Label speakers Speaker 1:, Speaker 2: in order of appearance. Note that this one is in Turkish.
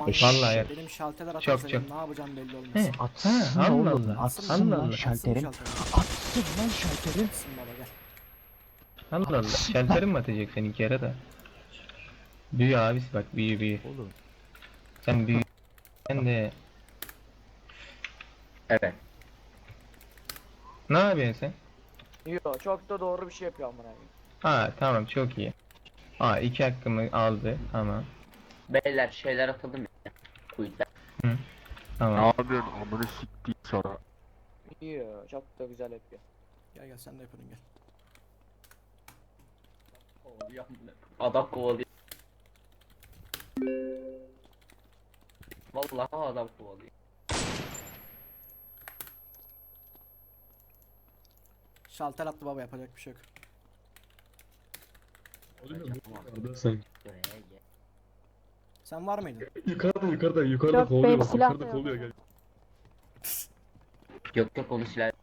Speaker 1: Vallahi ya.
Speaker 2: Benim şalterler
Speaker 1: Çok,
Speaker 2: atarsa
Speaker 1: çok.
Speaker 2: benim ne yapacağım belli olmaz.
Speaker 1: He.
Speaker 3: Atsın
Speaker 1: Allah
Speaker 3: oğlum.
Speaker 1: Allah.
Speaker 3: Atsın
Speaker 1: Allah
Speaker 3: lan
Speaker 1: Allah.
Speaker 3: şalterin.
Speaker 2: Atsın
Speaker 3: Atsın lan şalterin.
Speaker 2: baba gel.
Speaker 1: Allah Allah. Şalterim mi atacak seninki yere de? Büyü abisi bak büyü.
Speaker 3: Oğlum.
Speaker 1: Sen büyü. Sen de.
Speaker 4: Evet.
Speaker 1: Ne yapıyorsun sen?
Speaker 5: Yo çok da doğru bir şey yapıyor amına koyayım.
Speaker 1: Ha tamam çok iyi. Aa 2 hakkımı aldı. Tamam.
Speaker 4: Beyler şeyler atalım ya. Kuyutlar.
Speaker 1: Hı.
Speaker 6: Ne
Speaker 1: Tamam.
Speaker 6: yapıyorsun amını siktiğim sana.
Speaker 5: Yo çok da güzel yapıyor.
Speaker 2: Gel sen de yapalım gel.
Speaker 4: Kovalıyor. Adam kovalıyor. Vallahi adam kovalıyor.
Speaker 2: Şalter attı baba yapacak bir şey yok.
Speaker 6: Sen.
Speaker 4: Buraya gel.
Speaker 2: Sen var mıydın?
Speaker 6: Yukarıda
Speaker 7: Yok,
Speaker 6: kovalıyor
Speaker 7: benim
Speaker 6: bak
Speaker 7: silah
Speaker 6: yukarıda
Speaker 7: da
Speaker 6: kovalıyor
Speaker 7: yok.
Speaker 6: gel.
Speaker 4: Yok onu silah.